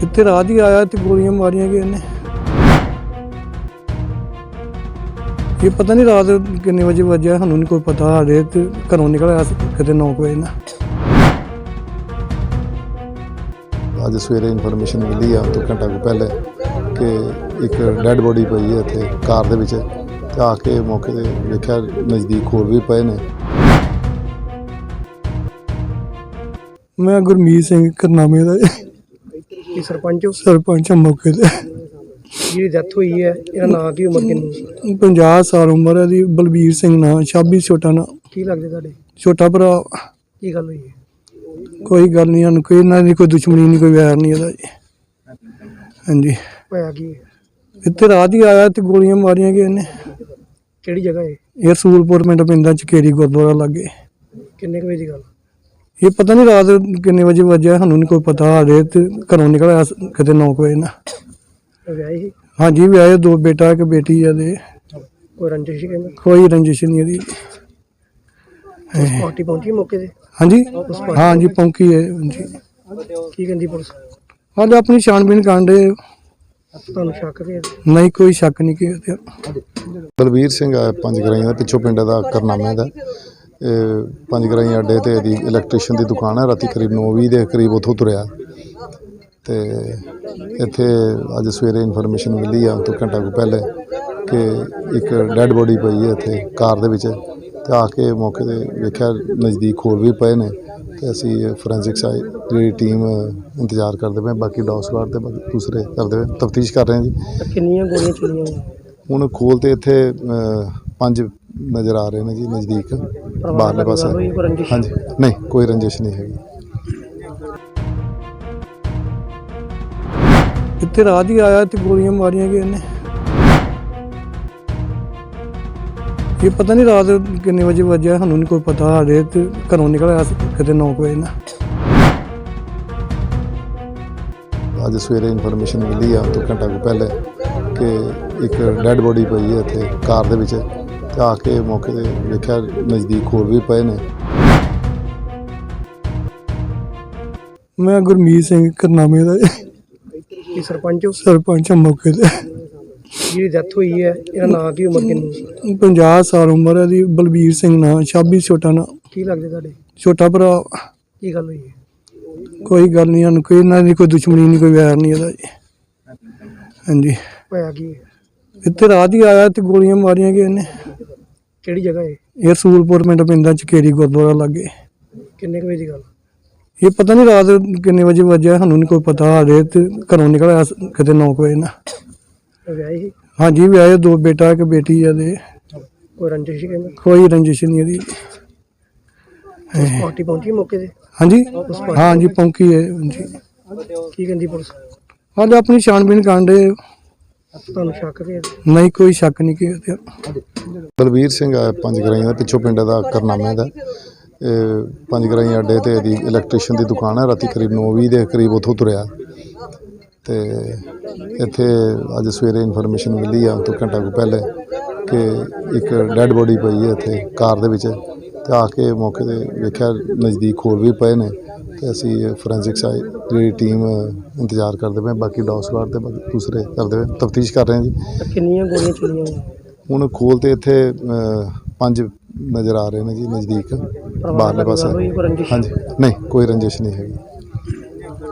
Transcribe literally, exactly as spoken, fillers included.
ਇੱਥੇ ਰਾਤ ਹੀ ਆਇਆ ਤੇ ਗੋਲੀਆਂ ਮਾਰੀਆਂ ਗਏ ਇਹਨੇ। ਇਹ ਪਤਾ ਨਹੀਂ ਰਾਤ ਕਿੰਨੇ ਵਜੇ ਵੱਜਿਆ, ਸਾਨੂੰ ਨਹੀਂ ਕੋਈ ਪਤਾ। ਸਾਡੇ ਤੇ ਘਰੋਂ ਨਿਕਲਿਆ ਕਿਤੇ ਨੌ ਵਜੇ ਨਾ। ਅੱਜ ਸਵੇਰੇ ਇਨਫੋਰਮੇਸ਼ਨ ਮਿਲੀ ਆ ਤੋਂ ਘੰਟਾ ਕੁ ਪਹਿਲੇ ਕਿ ਇੱਕ ਡੈੱਡ ਬੋਡੀ ਪਈ ਹੈ ਇੱਥੇ ਕਾਰ ਦੇ ਵਿੱਚ, ਤੇ ਆ ਕੇ ਮੌਕੇ ਤੇ ਵੇਖਿਆ ਨਜ਼ਦੀਕ ਹੋਰ ਵੀ ਪਏ ਨੇ। ਮੈਂ ਗੁਰਮੀਤ ਸਿੰਘ ਕਰਨਾਮੇ ਦਾ ਕੀ ਸਰਪੰਚ ਹੋ? ਸਰਪੰਚ ਹਾਂ ਮੌਕੇ ਤੇ। ਜਿਹਦੀ ਡੈਥ ਹੋਈ ਹੈ ਇਹਦਾ ਨਾਂ ਕੀ, ਉਮਰ ਕਿੰਨੀ? ਪੰਜਾਹ ਸਾਲ ਉਮਰ ਹੈ ਦੀ। ਬਲਬੀਰ ਸਿੰਘ ਨਾਂ, ਛਾਬੀ ਛੋਟਾ ਨਾਂ। ਕੀ ਲੱਗਦੇ ਤੁਹਾਡੇ? ਛੋਟਾ ਭਰਾ। ਕੀ ਗੱਲ ਹੋਈ ਹੈ? ਕੋਈ ਗੱਲ ਨਹੀਂ, ਸਾਨੂੰ ਕੋਈ ਇਹਨਾਂ ਦੀ ਕੋਈ ਦੁਸ਼ਮਣੀ ਨਹੀਂ, ਕੋਈ ਵੈਰ ਨਹੀਂ ਇਹਦਾ ਜੀ। ਹਾਂਜੀ। ਹੋਇਆ ਕੀ ਹੈ? ਇੱਥੇ ਰਾਤ ਹੀ ਆਇਆ ਤੇ ਗੋਲੀਆਂ ਮਾਰੀਆਂ ਗਏ ਇਹਨੇ। ਕਿਹੜੀ ਜਗ੍ਹਾ ਹੈ? ਇਹ ਰਸੂਲਪੁਰ ਪਿੰਡ ਪੈਂਦਾ, ਚਕੇਰੀ ਗੁਰਦੁਆਰਾ ਲਾਗੇ। ਕਿੰਨੇ ਕੁ ਵਜੇ ਦੀ ਗੱਲ? ਇਹ ਪਤਾ ਨਹੀਂ ਰਾਤ ਕਿੰਨੇ ਵਜੇ ਵੱਜਿਆ, ਸਾਨੂੰ ਨਹੀਂ ਕੋਈ ਪਤਾ। ਸਾਡੇ ਤੇ ਘਰੋਂ ਨਿਕਲਿਆ ਕਿਤੇ ਨੌ ਵਜੇ ਨਾ। ਵਿਆਹੀ ਸੀ? ਹਾਂਜੀ ਵਿਆਹੇ, ਦੋ ਬੇਟਾ ਇੱਕ ਬੇਟੀ ਆ ਦੇ। ਕੋਈ ਰੰਜਿਸ਼ ਸੀ ਕਹਿੰਦੇ? ਕੋਈ ਰੰਜਿਸ਼ ਨਹੀਂ ਇਹਦੀ। ਪਾਰਟੀ ਪਹੁੰਚੀ ਮੌਕੇ ਤੇ? ਹਾਂਜੀ ਹਾਂਜੀ ਪਹੁੰਚੀ ਹੈ। ਹਾਂਜੀ। ਕੀ ਕਹਿੰਦੀ ਪੁਲਿਸ? ਹਾਲੇ ਆਪਣੀ ਛਾਣਬੀਣ ਕਰਨ ਦੇ। ਤੁਹਾਨੂੰ ਸ਼ੱਕ ਤੇ? ਨਹੀਂ, ਕੋਈ ਸ਼ੱਕ ਨਹੀਂ ਕਿ। ਬਲਬੀਰ ਸਿੰਘ ਆ ਪੰਜ ਗਰਾਈਆਂ ਦਾ, ਪਿੱਛੋਂ ਪਿੰਡ ਦਾ ਕਰਨਾਮੇ ਦਾ। ਇਹ ਪੰਜ ਗਰਾਈਆਂ ਅੱਡੇ ਤੇ ਇਹਦੀ ਇਲੈਕਟ੍ਰੀਸ਼ਨ ਦੀ ਦੁਕਾਨ ਹੈ। ਰਾਤੀ ਕਰੀਬ ਨੌ ਵੀਹ ਦੇ ਕਰੀਬ ਉੱਥੋਂ ਤੁਰਿਆ ਤੇ ਇੱਥੇ ਅੱਜ ਸਵੇਰੇ ਇਨਫੋਰਮੇਸ਼ਨ ਮਿਲੀ ਆ ਤੋਂ ਘੰਟਾ ਕੁ ਪਹਿਲੇ ਕਿ ਇੱਕ ਡੈੱਡ ਬੋਡੀ ਪਈ ਹੈ ਇੱਥੇ ਕਾਰ ਦੇ ਵਿੱਚ, ਤੇ ਆ ਕੇ ਮੌਕੇ ਤੇ ਵੇਖਿਆ ਨਜ਼ਦੀਕ ਹੋਰ ਵੀ ਪਏ ਨੇ। ਤੇ ਅਸੀਂ ਫੋਰੈਂਸਿਕ ਸਾਈਡ ਜਿਹੜੀ ਟੀਮ ਇੰਤਜ਼ਾਰ ਕਰਦੇ ਪਏ, ਬਾਕੀ ਡੌਗ ਸਵਾਡ ਤੇ ਬਾਕੀ ਦੂਸਰੇ ਕਰਦੇ ਪਏ, ਤਫਤੀਸ਼ ਕਰ ਰਹੇ ਹਾਂ ਜੀ। ਕਿੰਨੀਆਂ ਗੋਲੀਆਂ ਚੱਲੀਆਂ? ਹੁਣ ਖੋਲ ਤੇ ਇੱਥੇ ਪੰਜ ਨਜ਼ਰ ਆ ਰਹੇ ਨੇ ਜੀ ਨਜ਼ਦੀਕ ਬਾਹਰਲੇ ਪਾਸੇ। ਹਾਂਜੀ, ਨਹੀਂ ਕੋਈ ਰੰਜਿਸ਼ ਨਹੀਂ ਹੈਗੀ। ਇੱਥੇ ਰਾਤ ਹੀ ਆਇਆ ਤੇ ਗੋਲੀਆਂ ਮਾਰੀਆਂ ਗਏ ਇਹਨੇ। ਇਹ ਪਤਾ ਨਹੀਂ ਰਾਤ ਕਿੰਨੇ ਵਜੇ ਵੱਜਿਆ, ਸਾਨੂੰ ਨਹੀਂ ਕੋਈ ਪਤਾ। ਸਾਡੇ ਤੇ ਘਰੋਂ ਨਿਕਲਿਆ ਕਿਤੇ ਨੌ ਵਜੇ ਨਾ। ਅੱਜ ਸਵੇਰੇ ਇਨਫੋਰਮੇਸ਼ਨ ਮਿਲੀ ਆ ਤੋਂ ਘੰਟਾ ਕੁ ਪਹਿਲੇ ਕਿ ਇੱਕ ਡੈੱਡ ਬੋਡੀ ਪਈ ਹੈ ਇੱਥੇ ਕਾਰ ਦੇ ਵਿੱਚ, ਤੇ ਆ ਕੇ ਮੌਕੇ ਤੇ ਵੇਖਿਆ ਨਜ਼ਦੀਕ ਹੋਰ ਵੀ ਪਏ ਨੇ। ਮੈਂ ਗੁਰਮੀਤ ਸਿੰਘ ਕਰਨਾਮੇ ਦਾ ਕੀ ਸਰਪੰਚ ਹੋ? ਸਰਪੰਚ ਹਾਂ ਮੌਕੇ ਤੇ। ਜਿਹਦੀ ਡੈਥ ਹੋਈ ਹੈ ਇਹਦਾ ਨਾਂ ਕੀ, ਉਮਰ ਕਿੰਨੀ? ਪੰਜਾਹ ਸਾਲ ਉਮਰ ਹੈ ਦੀ। ਬਲਬੀਰ ਸਿੰਘ ਨਾਂ, ਛਾਬੀ ਛੋਟਾ ਨਾਂ। ਕੀ ਲੱਗਦੇ ਤੁਹਾਡੇ? ਛੋਟਾ ਭਰਾ। ਕੀ ਗੱਲ ਹੋਈ ਹੈ? ਕੋਈ ਗੱਲ ਨਹੀਂ, ਸਾਨੂੰ ਕੋਈ ਇਹਨਾਂ ਦੀ ਕੋਈ ਦੁਸ਼ਮਣੀ ਨਹੀਂ, ਕੋਈ ਵੈਰ ਨਹੀਂ ਇਹਦਾ ਜੀ। ਹਾਂਜੀ। ਹੋਇਆ ਕੀ ਹੈ? ਇੱਥੇ ਰਾਤ ਹੀ ਆਇਆ ਤੇ ਗੋਲੀਆਂ ਮਾਰੀਆਂ ਗਏ ਇਹਨੇ। ਕਿਹੜੀ ਜਗ੍ਹਾ ਹੈ? ਇਹ ਰਸੂਲਪੁਰ ਪਿੰਡ ਪੈਂਦਾ, ਚਕੇਰੀ ਗੁਰਦੁਆਰਾ ਲਾਗੇ। ਕਿੰਨੇ ਕੁ ਵਜੇ ਦੀ ਗੱਲ? ਇਹ ਪਤਾ ਨਹੀਂ ਰਾਤ ਕਿੰਨੇ ਵਜੇ ਵੱਜਿਆ, ਸਾਨੂੰ ਨਹੀਂ ਕੋਈ ਪਤਾ। ਸਾਡੇ ਤੇ ਘਰੋਂ ਨਿਕਲਿਆ ਕਿਤੇ ਨੌ ਵਜੇ ਨਾ। ਵਿਆਹੀ ਸੀ? ਹਾਂਜੀ ਵਿਆਹੇ, ਦੋ ਬੇਟਾ ਇੱਕ ਬੇਟੀ ਆ ਦੇ। ਕੋਈ ਰੰਜਿਸ਼ ਸੀ ਕਹਿੰਦੇ? ਕੋਈ ਰੰਜਿਸ਼ ਨਹੀਂ ਇਹਦੀ। ਪਾਰਟੀ ਪਹੁੰਚੀ ਮੌਕੇ ਤੇ? ਹਾਂਜੀ ਹਾਂਜੀ ਪਹੁੰਚੀ ਹੈ। ਹਾਂਜੀ। ਕੀ ਕਹਿੰਦੀ ਪੁਲਿਸ? ਹਾਲੇ ਆਪਣੀ ਛਾਣਬੀਣ ਕਰਨ ਦੇ। ਤੁਹਾਨੂੰ ਸ਼ੱਕ ਤੇ? ਨਹੀਂ, ਕੋਈ ਸ਼ੱਕ ਨਹੀਂ ਕਿ। ਬਲਬੀਰ ਸਿੰਘ ਆ ਪੰਜ ਗਰਾਈਆਂ ਦਾ, ਪਿੱਛੋਂ ਪਿੰਡ ਦਾ ਕਰਨਾਮੇ ਦਾ। ਇਹ ਪੰਜ ਗਰਾਈਆਂ ਅੱਡੇ ਤੇ ਇਹਦੀ ਇਲੈਕਟ੍ਰੀਸ਼ਨ ਦੀ ਦੁਕਾਨ ਹੈ। ਰਾਤੀ ਕਰੀਬ ਨੌ ਵੀਹ ਦੇ ਕਰੀਬ ਉੱਥੋਂ ਤੁਰਿਆ ਤੇ ਇੱਥੇ ਅੱਜ ਸਵੇਰੇ ਇਨਫੋਰਮੇਸ਼ਨ ਮਿਲੀ ਆ ਤੋਂ ਘੰਟਾ ਕੁ ਪਹਿਲੇ ਕਿ ਇੱਕ ਡੈੱਡ ਬੋਡੀ ਪਈ ਹੈ ਇੱਥੇ ਕਾਰ ਦੇ ਵਿੱਚ, ਤੇ ਆ ਕੇ ਮੌਕੇ ਤੇ ਵੇਖਿਆ ਨਜ਼ਦੀਕ ਹੋਰ ਵੀ ਪਏ ਨੇ। ਤੇ ਅਸੀਂ ਫੋਰੈਂਸਿਕ ਸਾਈਡ ਜਿਹੜੀ ਟੀਮ ਇੰਤਜ਼ਾਰ ਕਰਦੇ ਪਏ, ਬਾਕੀ ਡੌਗ ਸਵਾਡ ਤੇ ਬਾਕੀ ਦੂਸਰੇ ਕਰਦੇ ਪਏ, ਤਫਤੀਸ਼ ਕਰ ਰਹੇ ਹਾਂ ਜੀ। ਕਿੰਨੀਆਂ ਗੋਲੀਆਂ ਚੱਲੀਆਂ? ਹੁਣ ਖੋਲ ਤੇ ਇੱਥੇ ਪੰਜ ਨਜ਼ਰ ਆ ਰਹੇ ਨੇ ਜੀ ਨਜ਼ਦੀਕ ਬਾਹਰਲੇ ਪਾਸੇ। ਹਾਂਜੀ, ਨਹੀਂ ਕੋਈ ਰੰਜਿਸ਼ ਨਹੀਂ ਹੈਗੀ।